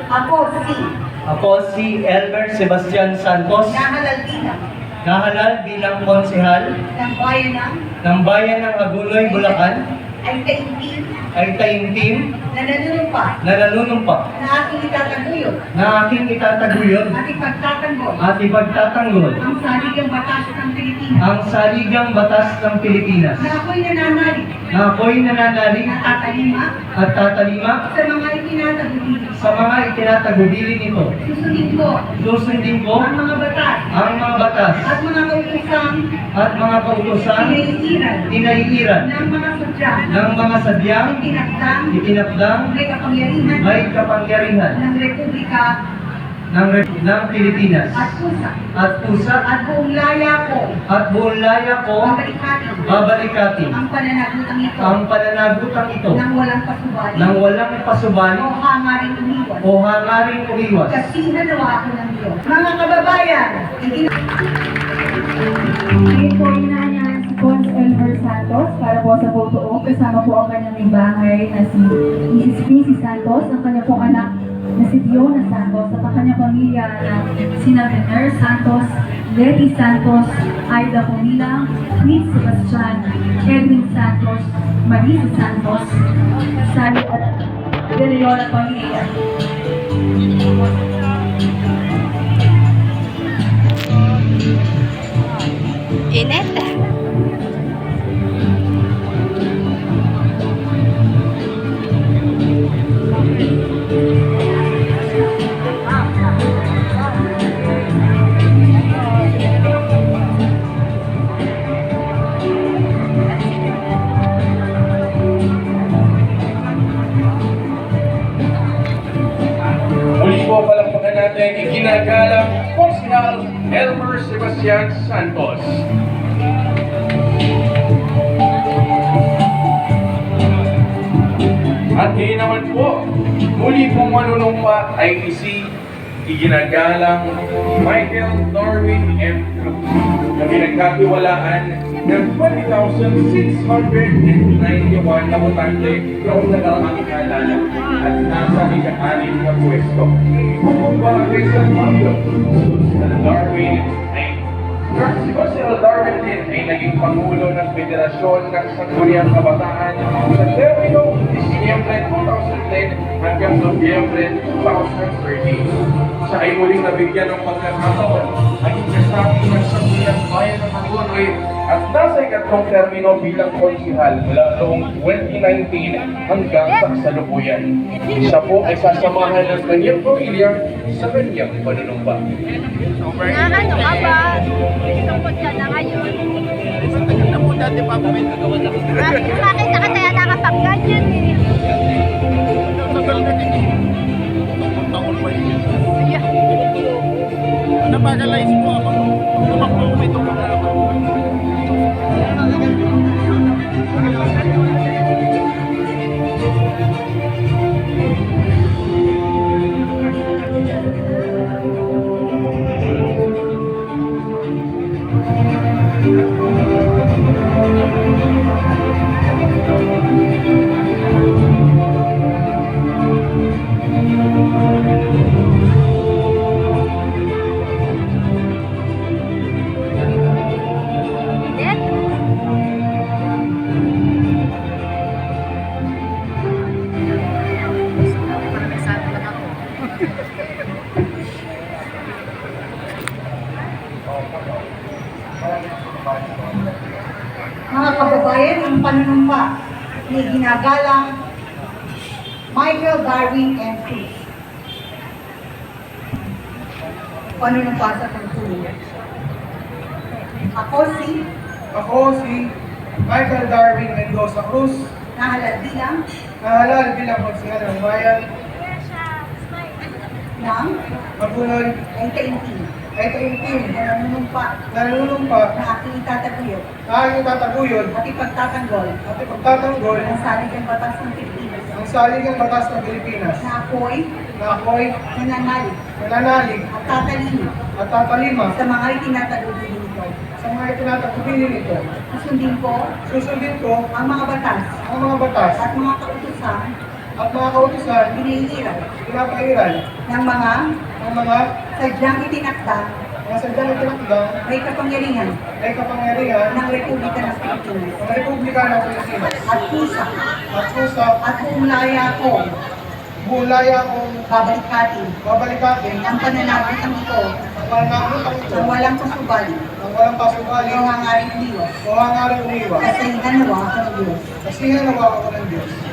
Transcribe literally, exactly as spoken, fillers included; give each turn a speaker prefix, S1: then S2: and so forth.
S1: Ako si
S2: Ako si Elmer Sebastian Santos,
S1: nahalal bilang
S2: nahalal bilang konsehal
S1: ng bayan ng
S2: ng Bayan ng Agunoy, Bulacan,
S1: ay taimtim
S2: ay taimtim
S1: na nanunumpa
S2: na nanunumpa
S1: na aking itataguyod
S2: na aking itataguyod
S1: at ipagtatanggol
S2: at ipagtatanggol
S1: ang saligang batas ng Pilipinas
S2: ang saligang batas ng Pilipinas
S1: na ako'y nananalig
S2: na ako'y nananalig
S1: at tatalima
S2: at tatalima
S1: sa mga itinatagubilin.
S2: sa mga itinatagubilin nito.
S1: Susundin ko
S2: Susundin ko
S1: ang mga batas
S2: ang mga batas
S1: at mga kautosang
S2: at mga kautosan
S1: pinaiiran
S2: tinaiiran
S1: ng mga sadya
S2: ng mga sadyang
S1: itinakdang
S2: itinakdang
S1: may kapangyarihan
S2: may kapangyarihan
S1: ng Republika
S2: ng, Rep- ng Pilipinas
S1: at pusa
S2: at pusa
S1: at buong laya ko
S2: at buong laya ko
S1: babalikatin
S2: babalikatin
S1: ang pananagutang ito
S2: ang pananagutang ito
S1: nang walang pasubali
S2: nang walang pasubali
S1: o hangaring umiwas
S2: o hangaring umiwas.
S1: kasi nanawa ako ng Diyos. Mga kababayan, igin-
S3: Ngayon po inaanyahan si Cons Elmer Santos para po sa photo op. Kasama po ang kanyang may bahay na si Missus Quincy Santos, ang kanyang pong anak na si Diona Santos, at ang kanyang pamilya na sina Vener Santos, Letty Santos, Aida Pomila, Chris Sebastian, Edwin Santos, Marisa Santos, Sally at De Leon at pamilya.
S4: Init.
S5: Muli po palakpakan natin iginagalang Konsehal Elmer Sebastian Santos. At ngayon naman po, muli pong manunumpa ay si iginagalang Michael Darwin M. Cruz na pinagkatiwalaan ng twenty thousand six hundred ninety-one na botante noong nakaraang kalala at nasa ika-anim na pwesto. Kung bakit sa Pablo, si Darwin ay si Marcel Darwin din ay naging Pangulo ng Federasyon ng Sangguniang Kabataan sa termino Disyembre two thousand ten hanggang Nobyembre two thousand thirteen. Siya ay muling nabigyan ng pagkakataon ang kasabi ng Sangguniang Bayan ng Agunoy at nasa ikatlong termino bilang konsehal mula noong twenty nineteen hanggang sa kasalukuyan. Siya po ay sasamahan ng kanyang pamilya sa kanyang panunumpa.
S4: Na ano ka ba? Tungkol ka na ngayon. Ah, nakita ka tayo nakapag-ganyan eh. Yeah.
S6: Napagalize mo ako. Tumakbo ko ito mga ako.
S4: Init?
S1: mga kababayan, ang panunumpa ni ginagalang Michael Darwin M. Cruz. Panunumpa sa pagtulong. Ako si
S7: Ako si Michael Darwin Mendoza Cruz,
S1: nahalal bilang
S7: nahalal bilang konsehal ng bayan
S1: ng
S7: Agunoy,
S1: ay taimtim
S7: ay taimtim
S1: na nanunumpa
S7: na nanunumpa
S1: na aking itataguyod
S7: na aking tataguyod
S1: at ipagtatanggol
S7: at ipagtatanggol
S1: ang saligang batas ng Pilipinas
S7: ang saligang batas ng Pilipinas
S1: na ako'y
S7: na ako'y
S1: nananalig
S7: nananalig
S1: at tatalino
S7: at tatalima
S1: sa mga itinatagubilin nito.
S7: sa mga itinatagubilin nito.
S1: Susundin ko
S7: Susundin ko
S1: ang mga batas
S7: ang mga batas
S1: at mga kautusan
S7: ang mga kautusan,
S1: hinihirap
S7: pinapahiran
S1: ng mga
S7: ng mga
S1: sadyang itinakda
S7: mga sadyang itinakdang
S1: may kapangyarihan
S7: ay kapangyarihan
S1: ng Republika ng Pilipinas
S7: ng Republika ng Pilipinas
S1: at kusa
S7: at kusa
S1: at kung laya ko
S7: bulaya kong
S1: babalikatin
S7: babalikatin
S1: ang pananabotang ito
S7: ang pananakotang ito
S1: ng walang kasubali
S7: ng walang pasubali
S1: o hangaring liwas
S7: o hangaring umiwas.
S1: kasi hanawa ako ng Diyos.
S7: Kasi hanawa ako ng Diyos.